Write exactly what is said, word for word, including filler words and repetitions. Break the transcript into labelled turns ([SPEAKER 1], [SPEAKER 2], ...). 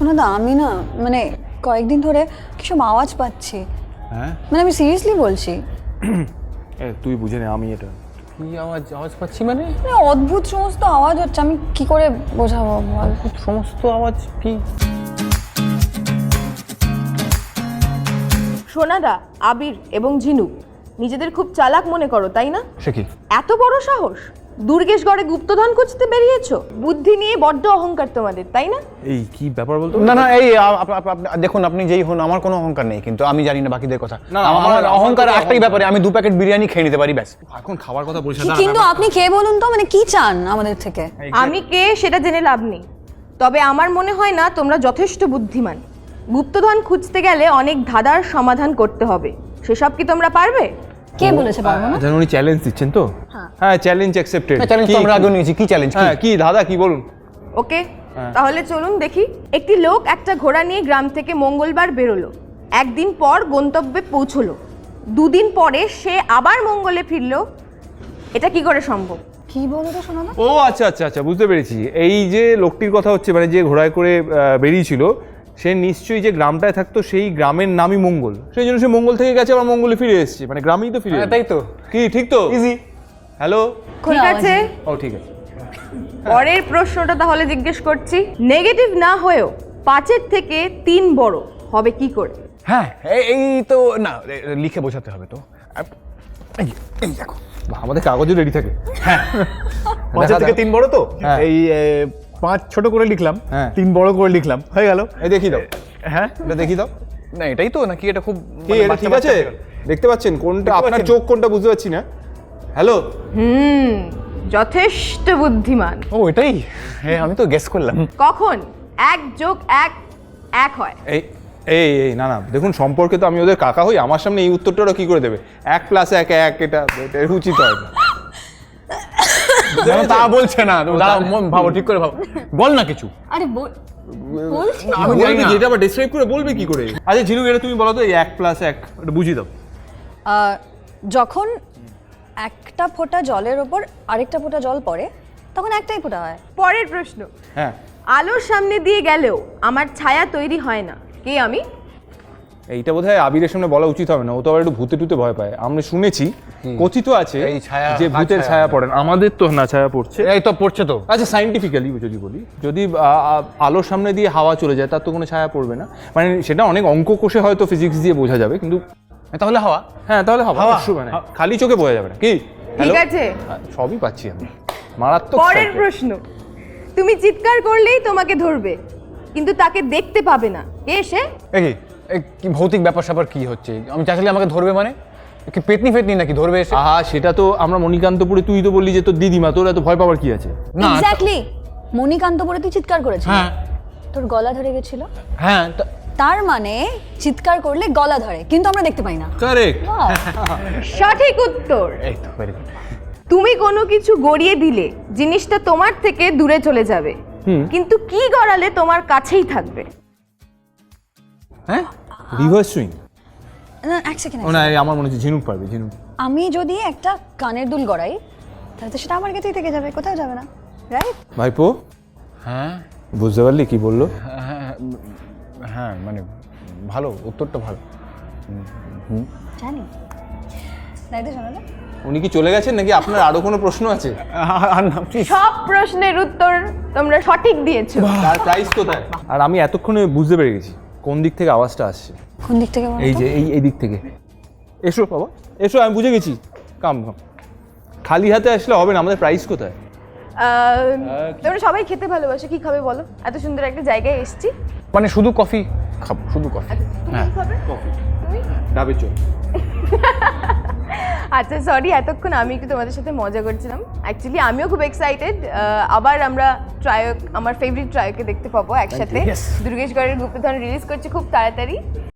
[SPEAKER 1] সোনাদা আমি না মানে কয়েকদিন ধরে কিসব আওয়াজ পাচ্ছি।
[SPEAKER 2] হ্যাঁ
[SPEAKER 1] মানে আমি সিরিয়াসলি বলছি।
[SPEAKER 2] এ তুই বুঝে নে আমি এটা
[SPEAKER 3] কি আওয়াজ আওয়াজ পাচ্ছি মানে
[SPEAKER 1] মানে অদ্ভুত সমস্ত আওয়াজ হচ্ছে, আমি কি করে বোঝাবো বল?
[SPEAKER 3] সমস্ত আওয়াজ কি?
[SPEAKER 4] সোনাদা, আবির এবং ঝিনুক নিজেদের খুব চালাক মনে করো, তাই না?
[SPEAKER 3] সে কি?
[SPEAKER 4] এত বড় সাহস! দুর্গেশগড়ে গুপ্তধন খুঁজতে বেরিয়েছো? বুদ্ধি নিয়ে বড্ড অহংকার তোমাদের, তাই না?
[SPEAKER 2] এই কি ব্যাপার বলতো?
[SPEAKER 3] না না এই আপ- আপ- আপ- দেখুন আপনি যেই হন আমার কোনো অহংকার নেই, কিন্তু আমি জানি না বাকিদের কথা।
[SPEAKER 2] না, না,
[SPEAKER 3] আমার
[SPEAKER 2] আমার-
[SPEAKER 3] অহংকার
[SPEAKER 2] আমার
[SPEAKER 3] একটাই ব্যাপারে, আমি দু প্যাকেট বিরিয়ানি খেয়ে নিতে পারি ব্যাস।
[SPEAKER 2] এখন খাবার কথা বলিস না।
[SPEAKER 1] কিন্তু আপনি কে বলুন তো, মানে কি চান আমাদের থেকে?
[SPEAKER 4] আমি কে সেটা জেনে লাভ নেই, তবে আমার মনে হয় না তোমরা যথেষ্ট বুদ্ধিমান। গুপ্তধন খুঁজতে গেলে অনেক ধাঁধার সমাধান করতে হবে, সেসব কি তোমরা পারবে?
[SPEAKER 1] কে বলেছে পারবো না?
[SPEAKER 2] জানো উনি চ্যালেঞ্জ দিচ্ছেন তো? হ্যাঁ চ্যালেঞ্জ অ্যাকসেপ্টেড।
[SPEAKER 3] চ্যালেঞ্জ তো আমরা আগে নিয়েছি। কি চ্যালেঞ্জ?
[SPEAKER 2] হ্যাঁ কি দাদা কি বলুন?
[SPEAKER 4] ওকে, তাহলে চলুন দেখি। একটি লোক একটা ঘোড়া নিয়ে গ্রাম থেকে মঙ্গলবার বেরোলো। একদিন পর গন্তব্যে পৌঁছলো। দুদিন পরে সে আবার মঙ্গলে ফিরলো। এটা কি করে সম্ভব?
[SPEAKER 1] কি বলো তো সোনাদা?
[SPEAKER 2] ও আচ্ছা আচ্ছা আচ্ছা বুঝতে পেরেছি। এই যে লোকটির কথা হচ্ছে, মানে যে ঘোড়ায় করে আহ, বেরিয়েছিল, সে নিশ্চয়ই যে গ্রামটায় থাকতো সেই গ্রামের নামই মঙ্গল, সেই জন্য সে মঙ্গল থেকে গেছে আবার মঙ্গলে ফিরে এসেছে, মানে গ্রামেই তো ফিরে
[SPEAKER 3] হ্যাঁ,
[SPEAKER 2] এলো।
[SPEAKER 3] তাই তো।
[SPEAKER 2] কি ঠিক তো?
[SPEAKER 3] ইজি।
[SPEAKER 2] হ্যালো,
[SPEAKER 1] কোনো
[SPEAKER 4] ঠিক
[SPEAKER 1] আওয়াজ
[SPEAKER 4] আছে,
[SPEAKER 1] নেই।
[SPEAKER 2] ও ঠিক আছে।
[SPEAKER 4] পরের প্রশ্নটা তাহলে জিজ্ঞেস করছি। নেগেটিভ না হয়েও পাঁচের থেকে তিন বড় হবে কি করে?
[SPEAKER 3] হ্যাঁ এই- এই তো না, এ- লিখে বোঝাতে হবে তো। আপ- এই এই দেখো
[SPEAKER 2] বাহ, আমাদের কাগজও রেডি থাকে।
[SPEAKER 3] পাঁচের থেকে তিন বড় তো,
[SPEAKER 2] হ্যাঁ।
[SPEAKER 3] এই এ, পাঁচ ছোট করে লিখলাম,
[SPEAKER 2] হ্যাঁ।
[SPEAKER 3] তিন বড় করে লিখলাম, হয়ে গেল।
[SPEAKER 2] এই দেখি দাও,
[SPEAKER 3] হ্যাঁ
[SPEAKER 2] এটা দেখি দাও।
[SPEAKER 3] না এটাই তো নাকি? এটা খুব
[SPEAKER 2] কি
[SPEAKER 3] মানে
[SPEAKER 2] এটা
[SPEAKER 3] বাচ্চা
[SPEAKER 2] ঠিক আছে?
[SPEAKER 3] বাচ্চা-
[SPEAKER 2] দেখতে পাচ্ছেন কোনটা
[SPEAKER 3] দেখতে
[SPEAKER 2] আপনার
[SPEAKER 3] পাচ্ছেন?
[SPEAKER 2] চোখ কোনটা বুঝতে পারছি না। হ্যালো,
[SPEAKER 4] হুম, যথেষ্ট বুদ্ধিমান।
[SPEAKER 3] ও এটাই? হ্যাঁ আমি তো গেস করলাম।
[SPEAKER 4] কখন এক যোগ এক এক হয়?
[SPEAKER 2] এই এই এই না না দেখুন, সম্পর্কে তো আমি ওদের কাকা হই, আমার সামনে এই উত্তরটা ওরা কি করে দেবে? এক প্লাস এক এক, এটা এটা উচিত হয় না।
[SPEAKER 3] না, তা বলছে না, তুমি দাঁড়াও, মন ভাবো, ঠিক করে ভাবো, বল না কিছু।
[SPEAKER 1] আরে বল- বলছি তো।
[SPEAKER 3] আমি জানি
[SPEAKER 2] বলবে
[SPEAKER 3] না।
[SPEAKER 2] কি, এটা আবার ডেসক্রাইব করে বলবে কি করে? আচ্ছা ঝিনুক, এটা তুমি বলো তো, এই এক প্লাস এক এটা বুঝিয়ে দাও।
[SPEAKER 1] আহ, যখন একটা ফোঁটা জলের ওপর আরেকটা ফোঁটা জল পড়ে তখন একটাই ফোঁটা হয়।
[SPEAKER 4] পরের প্রশ্ন।
[SPEAKER 2] হ্যাঁ,
[SPEAKER 4] আলোর সামনে দিয়ে গেলেও আমার ছায়া তৈরি হয় না, কে আমি?
[SPEAKER 2] এইটা বোধহয় আবিরের সামনে বলা উচিত হবে না, ও তো আবার একটু ভূতে টুতে ভয় পায়। আমরা শুনেছি, কথিত আছে
[SPEAKER 3] এই ছায়া-
[SPEAKER 2] যে
[SPEAKER 3] কার
[SPEAKER 2] ভূতের
[SPEAKER 3] ছায়া?
[SPEAKER 2] ছায়া পড়ে না। আমাদের তো না ছায়া পড়ছে।
[SPEAKER 3] এই তো পড়ছে তো।
[SPEAKER 2] আচ্ছা সাইন্টিফিক্যালি যদি বলি, যদি আ, আ, আলোর সামনে দিয়ে হাওয়া চলে যায় তার তো কোনো ছায়া পড়বে না, মানে সেটা অনেক অঙ্ক কষে হয়তো ফিজিক্স দিয়ে বোঝা যাবে, কিন্তু
[SPEAKER 3] তাহলে হাওয়া।
[SPEAKER 2] হ্যাঁ তাহলে হাওয়া
[SPEAKER 3] হাওয়া?
[SPEAKER 2] অবশ্যই, মানে খালি চোখে বোঝা যাবে না। কি
[SPEAKER 4] ঠিক
[SPEAKER 2] Hello?
[SPEAKER 4] আছে,
[SPEAKER 2] হ্যাঁ, সবই পাচ্ছি আমি, মারাত্মক।
[SPEAKER 4] পরের
[SPEAKER 2] psycho।
[SPEAKER 4] প্রশ্ন। তুমি চিৎকার করলেই তোমাকে ধরবে, কিন্তু তাকে দেখতে পাবে না, কে সে?
[SPEAKER 3] এ কি এ কি ভৌতিক ব্যাপার স্যাপার কি হচ্ছে? আমি চাইলে আমাকে ধরবে মানে এ কি পেতনি ফেতনি নাকি ধরবে এসে?
[SPEAKER 2] আহা, সেটা তো আমরা মণিকান্তপুরে, তুই তো বললি যে তোর দিদিমা, তোর এত ভয় পাওয়ার কি আছে?
[SPEAKER 3] না
[SPEAKER 1] এক্স্যাক্টলি, মণিকান্তপুরে তুই চিৎকার করেছিস,
[SPEAKER 3] হ্যাঁ
[SPEAKER 1] তোর গলা ধরে গেছিল।
[SPEAKER 3] হ্যাঁ তা-
[SPEAKER 1] তার মানে চিৎকার করলে গলা ধরে, কিন্তু আমরা দেখতে পাই না।
[SPEAKER 2] কারেক্ট।
[SPEAKER 1] Wow!
[SPEAKER 4] সঠিক উত্তর।
[SPEAKER 3] এই তো ভেরি গুড।
[SPEAKER 4] তুমি কোনো কিছু গড়িয়ে দিলে জিনিসটা তোমার থেকে দূরে চলে যাবে, কিন্তু কি গড়ালে তোমার কাছেই থাকবে?
[SPEAKER 2] হ্যাঁ, রিভার্স সুইং।
[SPEAKER 1] না, এক সেকেন্ড।
[SPEAKER 2] ও না, এই আমার মনে হচ্ছে ঝিনুক পারবে। ঝিনুক
[SPEAKER 1] আমি যদি একটা কানের দুল গড়াই তাহলে তো সেটা আমার কাছেই থেকে যাবে, কোথাও যাবে না, রাইট?
[SPEAKER 2] ভাইপো,
[SPEAKER 3] হ্যাঁ
[SPEAKER 2] বুঝতে পারলি কি বললো?
[SPEAKER 3] হ্যাঁ হ্যাঁ মানে ভালো, উত্তরটা ভালো।
[SPEAKER 1] জানি। তাই তো শোনো না।
[SPEAKER 2] উনি কি চলে গেছেন নাকি আপনার আরো কোনো প্রশ্ন আছে?
[SPEAKER 3] আর না প্লিজ।
[SPEAKER 4] সব প্রশ্নের উত্তর তোমরা সঠিক দিয়েছো।
[SPEAKER 2] তার প্রাইস কোথায়? আর আমি এতক্ষণে বুঝতে পেরে গেছি কোন দিক থেকে আওয়াজটা আসছে।
[SPEAKER 1] কোন দিক থেকে বলো
[SPEAKER 2] এই
[SPEAKER 1] তো?
[SPEAKER 2] যে এই এই দিক থেকে। এসো বাবা, এসো, আমি বুঝে গেছি। কাম কাম, খালি হাতে আসলে হবে না। আমাদের প্রাইস কোথায়?
[SPEAKER 4] আহ, তোমরা সবাই খেতে ভালোবাসো, কি খাবে বলো? এত সুন্দর একটা জায়গায় এসেছি।
[SPEAKER 3] মানে শুধু কফি খাবো, শুধু কফি।
[SPEAKER 4] তুমি কি খাবে? তুমি?
[SPEAKER 2] ডাবের চোখ।
[SPEAKER 4] আচ্ছা সরি, এতক্ষণ আমি একটু তোমাদের সাথে মজা করছিলাম। অ্যাকচুয়ালি আমিও খুব এক্সাইটেড, আবার আমরা ট্রায়ক, আমার ফেভারিট ট্রায়কে দেখতে পাবো একসাথে।
[SPEAKER 3] Yes.
[SPEAKER 4] দুর্গেশগড়ের গুপ্তধন রিলিজ করছে খুব তাড়াতাড়ি।